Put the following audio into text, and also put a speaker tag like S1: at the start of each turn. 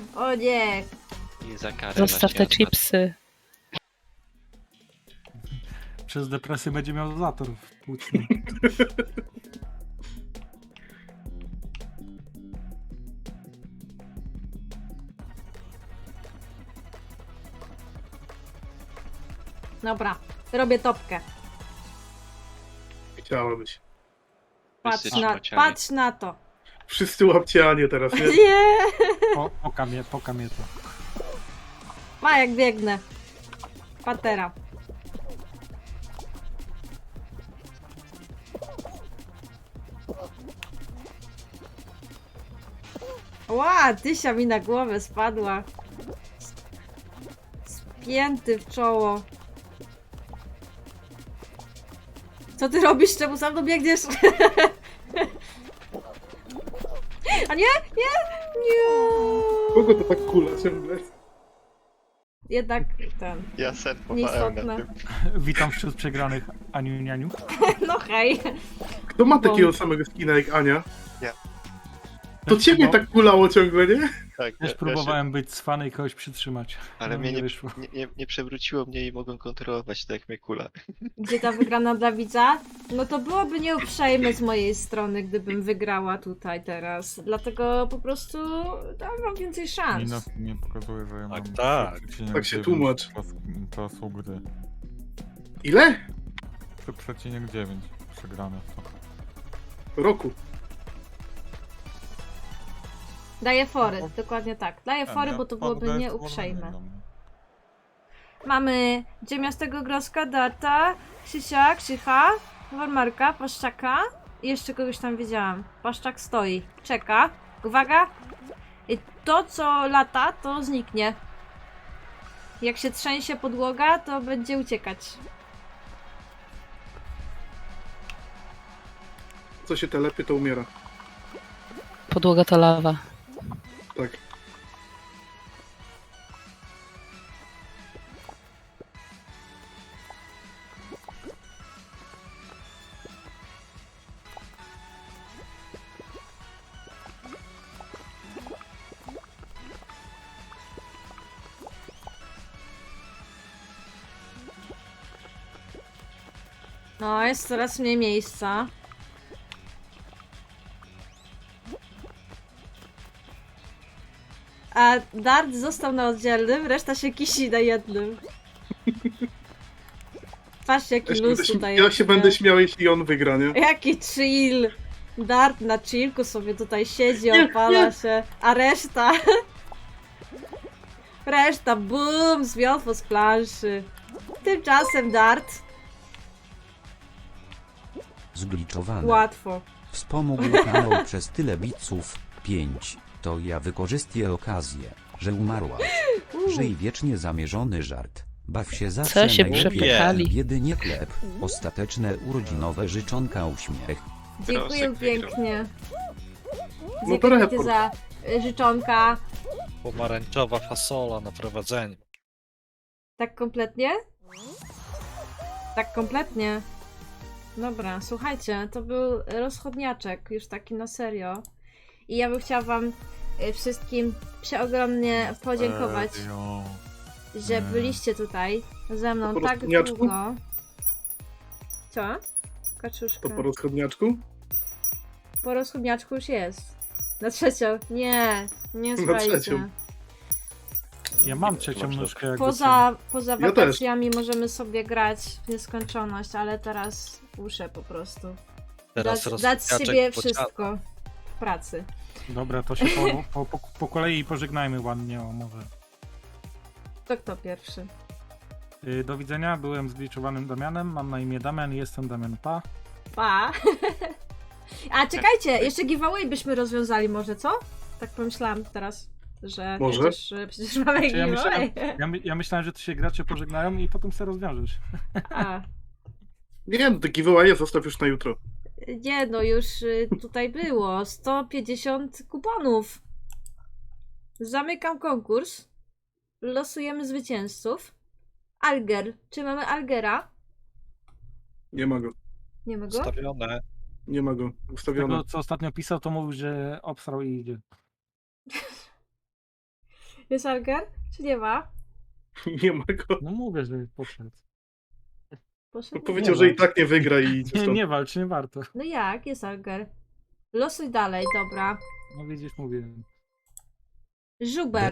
S1: O nie!
S2: I za karę
S3: Zostaw te
S2: na świat.
S3: chipsy.
S4: Przez depresję będzie miał zator w płucnym.
S1: Dobra, robię topkę.
S5: Chciałabyś.
S2: Wszyscy szmociani.
S1: Patrz na to.
S5: Wszyscy łapcianie teraz, nie?
S1: Nie!
S4: Poka mnie to.
S1: Ma jak biegnę. Patera. Ła, Tysia mi na głowę spadła. Spięty w czoło. Co ty robisz? Czemu za mną biegniesz? A nie? Nie? Nie!
S5: Kogo to tak kula ciągle?
S1: Jednak ten.
S2: Ja sen powałem na
S1: Nieistotne.
S2: tym.
S4: Witam wśród przegranych Aniu Nianiu.
S1: No hej.
S5: Kto ma takiego samego skina jak Ania?
S2: Ja.
S5: To ciebie tak kulało ciągle, nie?
S2: Tak,
S4: Też próbowałem być cwany i kogoś przytrzymać.
S2: Ale
S4: No,
S2: mnie nie,
S4: wyszło.
S2: nie przewróciło mnie i mogłem kontrolować tak jak mnie kula.
S1: Gdzie ta wygrana dla widza? No to byłoby nieuprzejme z mojej strony, gdybym wygrała tutaj teraz. Dlatego po prostu dam wam więcej szans.
S6: Nie pokazuje, że ja mam...
S7: tak.
S5: Tak się tłumacz.
S6: Czasu gry.
S5: Ile?
S6: Przecinek 9 przegrane są.
S5: Roku.
S1: Daję fory, dokładnie tak. Daję fory,
S6: Ja
S1: bo to byłoby
S6: poddaję
S1: nieuprzejme.
S6: spowolnienie.
S1: Mamy Ziemiastego Groska, Darta, Krzysia, Krzycha, Warmarka, Paszczaka i jeszcze kogoś tam wiedziałam. Paszczak stoi, czeka. Uwaga! I to, co lata, to zniknie. Jak się trzęsie podłoga, to będzie uciekać.
S5: Co się telepie, to umiera.
S3: Podłoga to lawa.
S5: Tak.
S1: No, jest coraz mniej miejsca. A Dart został na oddzielnym, reszta się kisi na jednym. Patrzcie, jaki luz tutaj
S5: Ja
S1: jest,
S5: się
S1: nie?
S5: będę śmiał, jeśli on wygra, nie?
S1: Jaki chill! Dart na chillku sobie tutaj siedzi,
S5: Nie,
S1: opala
S5: nie.
S1: się, a reszta... Reszta, bum, zmiotło z planszy. Tymczasem Dart,
S8: Zgliczowane.
S1: łatwo.
S8: Wspomógł kanał przez tyle biców. 5. To ja wykorzystuję okazję, że umarłaś. Żyj wiecznie zamierzony żart. Baw się zawsze
S3: się
S8: najlepiej.
S3: przepychali?
S8: Biedy nie chleb. Ostateczne urodzinowe życzonka uśmiech.
S1: Dziękuję
S2: Grosek wygrał.
S1: pięknie.
S5: No to
S1: Dziękuję
S5: report.
S1: za życzonka.
S7: Pomarańczowa fasola na prowadzeniu.
S1: Tak kompletnie? Tak kompletnie. Dobra, słuchajcie, to był rozchodniaczek, już taki na serio. I ja bym chciała wam wszystkim przeogromnie podziękować,
S6: Serio.
S1: że byliście tutaj ze mną
S5: Po
S1: tak
S5: rozchodniaczku?
S1: długo. Co? Kaczuszka.
S5: To po rozchodniaczku?
S1: Po rozchodniaczku już jest. Na trzecią. Nie, nie
S5: Na
S1: słuchajcie.
S5: trzecią.
S4: Ja mam trzecią
S2: Można.
S4: nóżkę jak
S1: Poza
S5: Ja
S1: wakacjami możemy sobie grać w nieskończoność, ale teraz muszę po prostu
S7: Teraz
S1: dać z siebie
S7: rozpoczniaczek
S1: wszystko w pracy.
S4: Dobra, to się po kolei pożegnajmy ładnie, o może.
S1: To kto pierwszy?
S4: Do widzenia, byłem zgliczowanym Damianem, mam na imię Damian i jestem Damian Pa.
S1: Pa! A czekajcie, jeszcze giveaway byśmy rozwiązali może, co? Tak pomyślałam teraz, że
S5: Może?
S1: przecież mamy
S4: Czy ja
S1: giveaway.
S4: Ja myślałem, że to się gracze pożegnają i potem se rozwiążesz.
S1: A,
S5: Nie, no taki giveaway zostaw już na jutro.
S1: nie no, już tutaj było 150 kuponów. Zamykam konkurs. Losujemy zwycięzców. Alger. Czy mamy Algera?
S5: Nie ma go.
S1: Nie ma go?
S7: Ustawione.
S5: Nie ma go. Ustawione.
S4: Tego, co ostatnio pisał, to mówił, że obsrał i idzie.
S1: Jest Alger? Czy nie ma?
S5: Nie ma go.
S4: No mówię, że podszedł.
S1: Poszedł?
S5: Powiedział,
S4: ma.
S5: że i tak nie wygra i idzie
S4: Nie,
S5: stąd.
S4: nie walcz, nie warto.
S1: No jak? Jest Alger. Losuj dalej, dobra.
S4: No widzisz, mówiłem.
S1: Żubek.